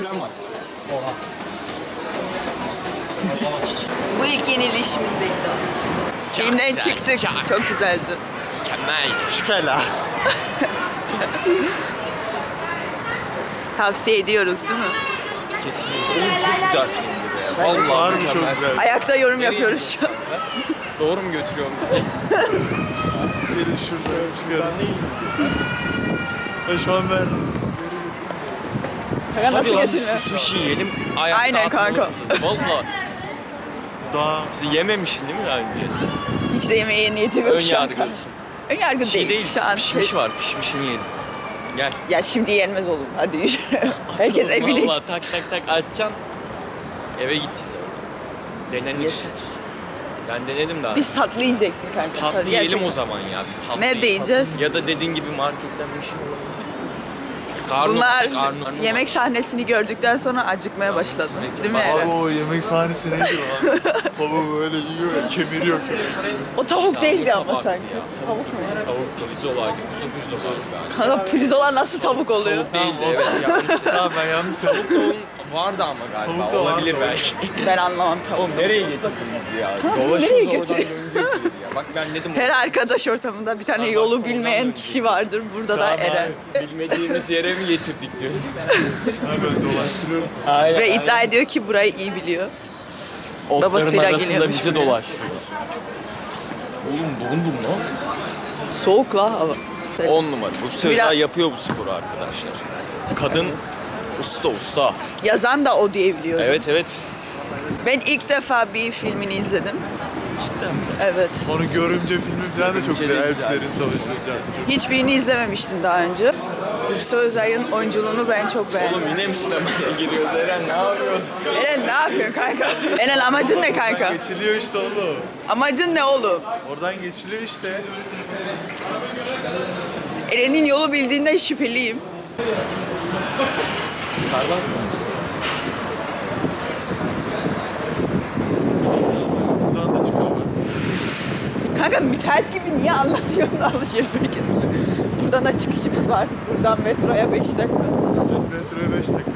falan var. Bu ilk yenilişimizdeydi. Filmden güzel, çıktık. çok. Çok güzeldi. Mükemmel. Şükela. Tavsiye ediyoruz değil mi? Kesinlikle. Oğlum çok güzel filmdi be. Vallahi Harbi çok mükemmel. güzel. Ayakta yorum yapıyoruz şu an. Doğru mu götürüyorum bizi? Gelin şurada çıkarız. Şu an ben... Kanka nasıl Hadi lan götürüyor? sushi yiyelim. Ayakta Aynen atma kanka. olmasın. Valla. Daha... Sen yememişsin değil mi daha önce? Hiç de yemeğe niyetim yok Ön şu an. yargılısın. Ön yargı Çiğ değil şu an. Pişmiş var. Pişmişini yiyelim. Gel. Ya şimdi yenmez olur. Hadi yürü. Herkes Oturalım, evine vallahi gitsin. tak tak tak açacaksın. Eve gideceğiz. Denenir. Yeter. Ben denedim daha. Biz tatlı yiyecektik kanka. Tatlı yiyelim Gerçekten. o zaman ya. Bir tatlı Nerede yiyelim. yiyeceğiz? Ya da dediğin gibi marketten bir şey olur. Karnı Bunlar aç, karnı yemek aç. sahnesini gördükten sonra acıkmaya başladı. Değil mi Abi Eren? o yemek sahnesi nedir o? Baba böyle yiyor ya, kemiriyor. O tavuk Ya, değildi bu ama tabaktı sanki. ya. Tavuk mu? Tavuk pirzolaydı. Kuzu pirzolaydı yani. Kanka pirzola nasıl tavuk oluyor? Tavuk değildi evet yanlış. Tamam ben yanlış söyledim. Tavuğun vardı ama galiba. Tavuk da Olabilir vardı. belki. Ben anlamam tavuk. Oğlum nereye getirdiniz ya? nereye Dolaşıyoruz oradan götürüyor? dönecektik ya. Bak ben dedim. Her arkadaş ortamında bir tane Starbucks yolu oradan bilmeyen dönecek. kişi vardır. Burada da Eren. Bilmediğimiz yere mi getirdik diyor. Ha ben dolaştırıyorum. Aynen, Ve iddia ediyor ki burayı iyi biliyor. Otların babasıyla arasında geliyormuş bizi buraya. dolaştırıyor. Oğlum dondum lan. Soğuk la hava. 10 numara. Bu sözler Biraz- yapıyor bu sporu arkadaşlar. Kadın usta. Yazan da o diye biliyorum. Evet evet. Ben ilk defa bir filmini izledim. Cidden mi? Evet. Onu görümce filmi falan da çok Bence de güzel. güzel. Elflerin savaşı. Hiçbirini izlememiştim daha önce. Gülse Özay'ın oyunculuğunu ben çok beğendim. Oğlum yine mi sinemaya giriyoruz Eren ne yapıyorsun? Eren ne yapıyorsun kanka? Eren amacın ne kanka? Geçiliyor işte oğlum. Amacın ne oğlum? Oradan geçiliyor işte. Eren'in yolu bildiğinden şüpheliyim. Buradan da çıkış var. Kanka müteahhit gibi niye anlatıyorsun alışveriş merkezini? Buradan da çıkışımız var. Buradan metroya 5 dakika. Metroya 5 dakika.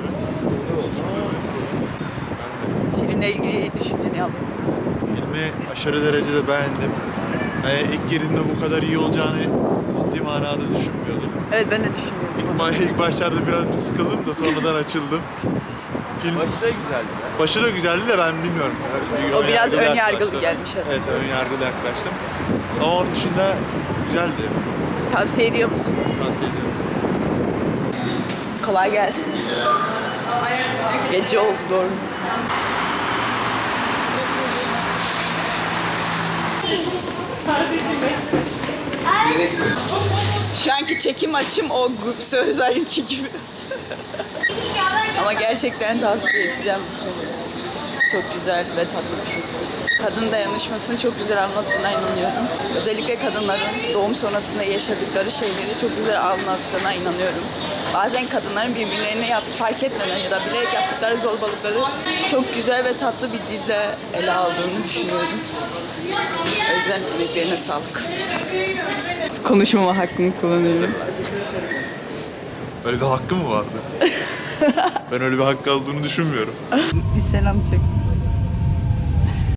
Filmle ilgili düşünceni alayım. Filmi aşırı derecede beğendim. İlk girdiğimde bu kadar iyi olacağını ciddi manada düşünmüyordum. Evet ben de düşünüyorum. İlk başlarda biraz bir sıkıldım da sonradan açıldım. Film Başı da güzeldi. başı da güzeldi de ben bilmiyorum. O biraz ön yargılı yaklaştım. gelmiş herhalde. Evet ön yargılı yaklaştım. Ama onun dışında güzeldi. Tavsiye ediyor musun? Tavsiye ediyorum. Kolay gelsin. Gece oldu doğru. Şu anki çekim açım o Gülse Özay'ınki gibi. Ama gerçekten tavsiye edeceğim. Çok güzel ve tatlı bir film. Kadın dayanışmasını çok güzel anlattığına inanıyorum. Özellikle kadınların doğum sonrasında yaşadıkları şeyleri çok güzel anlattığına inanıyorum. Bazen kadınların birbirlerine fark etmeden ya da bilerek yaptıkları zorbalıkları çok güzel ve tatlı bir dille ele aldığını düşünüyorum. O yüzden emeklerine sağlık. Konuşmama hakkını kullanıyorum. Öyle bir hakkı mı vardı? Ben öyle bir hakkı aldığını düşünmüyorum. Bir selam çek.